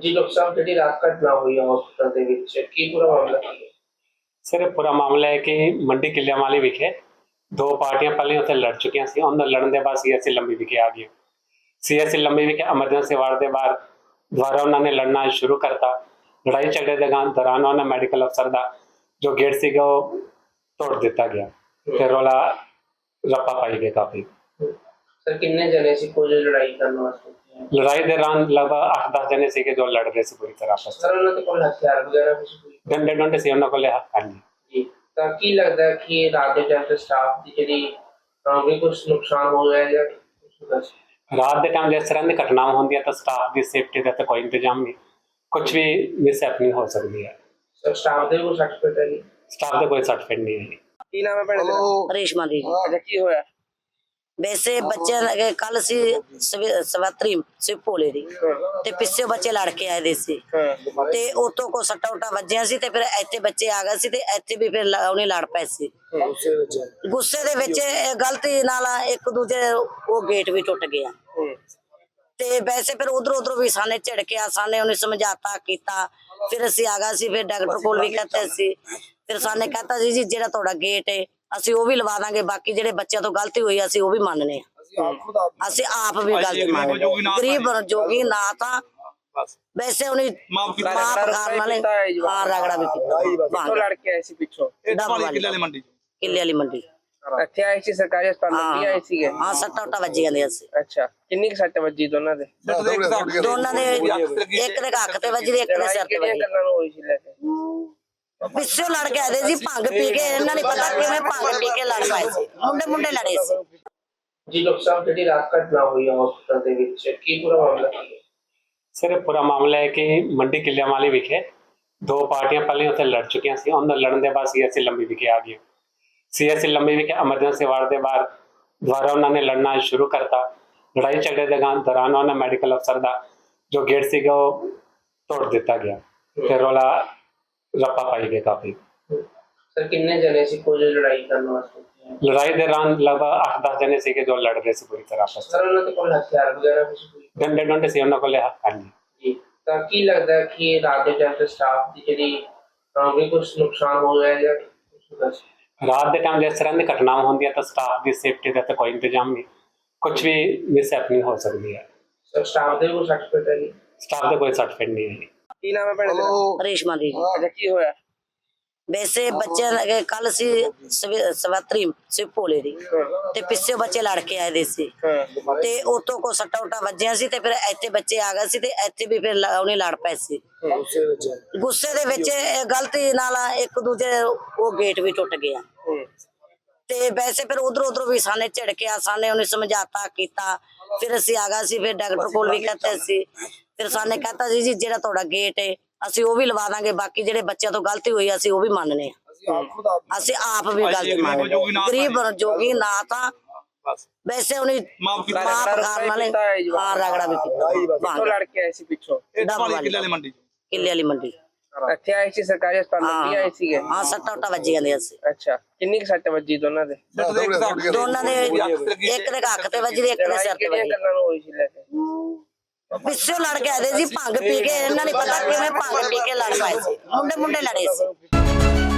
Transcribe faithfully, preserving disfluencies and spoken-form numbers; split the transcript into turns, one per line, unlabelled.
जी doctor साहब जी रात घटना हुई है हॉस्पिटल ਦੇ ਵਿੱਚ ਕੀ ਪੂਰਾ ਮਾਮਲਾ ਕੀ ਹੈ
सर पूरा मामला है कि मंडी किलिया वाली विखे दो पार्टियां पहले उत्थे लड़ चुकी सी उन्होंने लड़न के बाद सी एस सी लंबी विखे आ गई सी एस सी लंबी विखे एमरजेंसी वार्ड के बाहर दोबारा उन्होंने लड़ना शुरू करता लड़ाई झगड़े के दौरान उन्होंने मेडिकल अफसर का जो गेट से वो तोड़ दिता गया फिर रौला रप्पा पाई गई काफ़ी।
सर कितने जने से कोई लड़ाई करने वास्ते
लड़ाई के दौरान लगभग अठ दस जने से जो लड़ रहे थे पूरी तरह आपस
सर उन्होंने कोई हथियार वगैरह कुछ कोई
डंडे डंडे से उन्होंने को लिया। हाँ जी
जी ਤਾਂ ਕੀ ਲੱਗਦਾ ਹੈ ਕਿ ਰਾਤ ਦੇ ਟਾਈਮ ਤੇ ਸਟਾਫ ਦੀ ਜਿਹੜੀ ਅਹ, ਵੀ ਕੁਝ ਨੁਕਸਾਨ ਹੋ ਗਿਆ ਜਾਂ ਕੁਝ ਦੱਸ
रात के टाइम जिस तरह की घटनाएं होंगी तो स्टाफ की सेफ्टी का तो कोई इंतजाम नहीं कुछ भी मिस हैपनिंग हो सकती है।
ਸਰ ਸਟਾਫ ਦੇ ਕੋਈ ਸਰਟੀਫਿਕੇਟ ਹੈ ਜੀ
स्टाफ का कोई सर्टिफिकेट नहीं है।
ਕੀ ਨਾਮ ਹੈ ਭੈਣ ਦਾ
ਰੇਸ਼ਮਾ ਦੀ
ਅੱਛਾ ਕੀ ਹੋਇਆ
ਵੈਸੇ ਬੱਚੇ ਲਗੇ ਕੱਲ ਸੀ ਸਵਤਰੀ ਸੀ ਭੋਲੇ ਦੀ ਤੇ ਪਿੱਛੇ ਬੱਚੇ ਲੜ ਕੇ ਆਏ ਦੇ ਸੀ ਤੇ ਉਤੋਂ ਕੋ ਸੱਟਾ ਉਟਾ ਵੱਜਿਆ ਸੀ ਤੇ ਫਿਰ ਇੱਥੇ ਬੱਚੇ ਆ ਗਏ ਸੀ ਤੇ ਇੱਥੇ ਵੀ ਫਿਰ ਉਹਨੇ ਲੜ ਪਏ ਸੀ ਗੁੱਸੇ ਦੇ ਵਿੱਚ ਗਲਤੀ ਨਾਲ ਇੱਕ ਦੂਜੇ ਉਹ ਗੇਟ ਵੀ ਟੁੱਟ ਗਿਆ ਤੇ ਵੈਸੇ ਫਿਰ ਉਧਰ ਉਧਰ ਵੀ ਸਾਨੇ ਝੜਕਿਆ ਸਾਨੇ ਉਹਨੇ ਸਮਝਾਤਾ ਕੀਤਾ ਫਿਰ ਅਸੀਂ ਆ ਗਏ ਸੀ ਫਿਰ ਡਾਕਟਰ ਕੋਲ ਵੀ ਕਹਤੇ ਸੀ ਫਿਰ ਸਾਨੇ ਕਹਤਾ ਜੀ ਜੀ ਜਿਹੜਾ ਤੁਹਾਡਾ ਗੇਟ ਹੈ ਅਸੀਂ ਉਹ ਵੀ ਲਵਾ ਦਾਂਗੇ ਬਾਕੀ ਜਿਹੜੇ ਬੱਚਿਆਂ ਤੋਂ ਗਲਤੀ ਹੋਈ ਅਸੀਂ ਉਹ ਵੀ ਮੰਨਨੇ ਆ ਅਸੀਂ ਆਪ ਵੀ ਗਲਤੀ ਮੰਨਦੇ ਗਰੀਬ ਜੋਗੀ ਨਾ ਤਾਂ ਵੈਸੇ ਉਹਨੇ ਮਾਫ ਕਰਨ ਵਾਲੇ ਹਾਂ ਰਗੜਾ ਵੀ ਕੀਤਾ
ਕਿੱਥੋਂ ਲੜ ਕੇ ਆਏ ਸੀ ਪਿੱਛੋਂ
ਕਿੱਲੇ ਵਾਲੀ ਮੰਡੀ ਕਿੱਲੇ ਵਾਲੀ ਮੰਡੀ
ਇੱਥੇ ਆਏ ਸੀ ਸਰਕਾਰੀ ਹਸਪਤਾਲ ਮੰਡੀ ਆਏ ਸੀਗੇ
ਹਾਂ ਸੱਟਾ ਉਟਾ ਵੱਜੀ ਜਾਂਦੇ ਅਸੀਂ
ਅੱਛਾ ਕਿੰਨੀ ਕੁ ਸੱਟ ਵੱਜੀ ਦੋਨਾਂ ਦੇ
ਦੋਨਾਂ ਦੇ ਇੱਕ ਦੇ ਅੱਖ ਤੇ ਵੱਜੀ ਇੱਕ ਦੇ ਸਿਰ ਤੇ ਵੱਜੀ
ਕੰਨਾਂ ਨੂੰ ਹੋਈ ਸੀ ਲੈ ਕੇ
ਪਿੱਛੋਂ ਲੜ ਕੇ ਆਏ ਸੀ ਭੰਗ ਪੀ ਕੇ ਇਹਨਾਂ ਨੇ ਪਤਾ ਕਿਵੇਂ ਭੰਗ ਪੀ ਕੇ ਲੜ ਪਏ ਸੀ ਮੁੰਡੇ ਮੁੰਡੇ ਲੜੇ ਸੀ।
ਜੀ ਡਾਕਟਰ ਸਾਹਿਬ ਜਿਹੜੀ ਰਾਤ ਘਟਨਾ ਹੋਈ ਹੈ ਹਸਪਤਾਲ ਦੇ ਵਿੱਚ ਕੀ ਪੂਰਾ ਮਾਮਲਾ ਕੀ ਹੈ
सर पूरा मामला है कि मंडी किलिया वाली विखे दो पार्टियां पहले उत्थे लड़ चुकी सी उन्होंने लड़न के बाद सी एस सी लंबी विखे आ गई सी एस सी लंबी विखे एमरजेंसी वार्ड के बाहर दोबारा उन्होंने लड़ना शुरू करता लड़ाई झगड़े के दौरान उन्होंने मेडिकल अफसर का जो गेट से वो तोड़ दिता गया फिर रौला रप्पा पाई गई काफ़ी।
सर कितने जने से कोई लड़ाई करने वास्ते
लड़ाई के दौरान लगभग अठ दस जने से जो लड़ रहे थे पूरी तरह आपस
सर उन्होंने कोई हथियार वगैरह कुछ कोई
डंडे डंडे से उन्होंने को लिया। हाँ जी
ਜੀ ਤਾਂ ਕੀ ਲੱਗਦਾ ਹੈ ਕਿ ਰਾਤ ਦੇ ਟਾਈਮ ਤੇ ਸਟਾਫ ਦੀ ਜਿਹੜੀ ਅਹ, ਵੀ ਕੁਝ ਨੁਕਸਾਨ ਹੋ ਗਿਆ ਜਾਂ ਕੁਝ ਦੱਸ
रात के टाइम जिस तरह की घटनाएं होंगी तो स्टाफ की सेफ्टी का तो कोई इंतजाम नहीं कुछ भी मिस हैपनिंग हो सकती है।
ਸਰ ਸਟਾਫ ਦੇ ਕੋਈ ਸਰਟੀਫਿਕੇਟ ਹੈ ਜੀ
स्टाफ का कोई सर्टिफिकेट नहीं है।
ਕੀ ਨਾਮ ਹੈ ਭੈਣ ਦਾ
ਰੇਸ਼ਮਾ ਦੀ
ਅੱਛਾ ਕੀ ਹੋਇਆ
ਵੈਸੇ ਬੱਚੇ ਲਗੇ ਕੱਲ ਸੀ ਸਵਤਰੀ ਸੀ ਭੋਲੇ ਦੀ ਤੇ ਪਿੱਛੇ ਬੱਚੇ ਲੜ ਕੇ ਆਏ ਦੇ ਸੀ ਤੇ ਉਤੋਂ ਕੋ ਸੱਟਾ ਉਟਾ ਵੱਜਿਆ ਸੀ ਤੇ ਫਿਰ ਇੱਥੇ ਬੱਚੇ ਆ ਗਏ ਸੀ ਤੇ ਇੱਥੇ ਵੀ ਫਿਰ ਉਹਨੇ ਲੜ ਪਏ ਸੀ ਗੁੱਸੇ ਦੇ ਵਿੱਚ ਗਲਤੀ ਨਾਲ ਇੱਕ ਦੂਜੇ ਉਹ ਗੇਟ ਵੀ ਟੁੱਟ ਗਿਆ ਤੇ ਵੈਸੇ ਫਿਰ ਉਧਰ ਉਧਰ ਵੀ ਸਾਨੇ ਝੜਕਿਆ ਸਾਨੇ ਉਹਨੇ ਸਮਝਾਤਾ ਕੀਤਾ ਫਿਰ ਅਸੀਂ ਆ ਗਏ ਸੀ ਫਿਰ ਡਾਕਟਰ ਕੋਲ ਵੀ ਕਹਤੇ ਸੀ ਫਿਰ ਸਾਨੇ ਕਹਤਾ ਜੀ ਜੀ ਜਿਹੜਾ ਤੁਹਾਡਾ ਗੇਟ ਹੈ ਅਸੀਂ ਉਹ ਵੀ ਲਵਾ ਦਾਂਗੇ ਬਾਕੀ ਜਿਹੜੇ ਬੱਚਿਆਂ ਤੋਂ ਗਲਤੀ ਹੋਈ ਅਸੀਂ ਉਹ ਵੀ ਮੰਨਨੇ ਆ ਅਸੀਂ ਆਪ ਵੀ ਗਲਤੀ ਮੰਨਦੇ ਗਰੀਬ ਜੋਗੀ ਨਾ ਤਾਂ ਵੈਸੇ ਉਹਨੇ ਮਾਫ ਕਰਨ ਵਾਲੇ ਹਾਂ ਰਗੜਾ ਵੀ ਕੀਤਾ
ਕਿੱਥੋਂ ਲੜ ਕੇ ਆਏ ਸੀ ਪਿੱਛੋਂ
ਕਿੱਲੇ ਵਾਲੀ ਮੰਡੀ ਕਿੱਲੇ ਵਾਲੀ ਮੰਡੀ
ਇੱਥੇ ਆਏ ਸੀ ਸਰਕਾਰੀ ਹਸਪਤਾਲ ਮੰਡੀ ਆਏ ਸੀਗੇ
ਹਾਂ ਸੱਟਾ ਉਟਾ ਵੱਜੀ ਜਾਂਦੇ ਅਸੀਂ
ਅੱਛਾ ਕਿੰਨੀ ਕੁ ਸੱਟ ਵੱਜੀ ਦੋਨਾਂ ਦੇ
ਦੋਨਾਂ ਦੇ ਇੱਕ ਦੇ ਅੱਖ ਤੇ ਵੱਜੀ ਇੱਕ ਦੇ ਸਿਰ ਤੇ ਵੱਜੀ
ਕੰਨਾਂ ਨੂੰ ਹੋਈ ਸੀ ਲੈ ਕੇ
ਪਿੱਛੋਂ ਲੜ ਕੇ ਆਏ ਸੀ ਭੰਗ ਪੀ ਕੇ ਇਹਨਾਂ ਨੇ ਪਤਾ ਕਿਵੇਂ ਭੰਗ ਪੀ ਕੇ ਲੜ ਪਏ ਸੀ ਮੁੰਡੇ ਮੁੰਡੇ ਲੜੇ ਸੀ।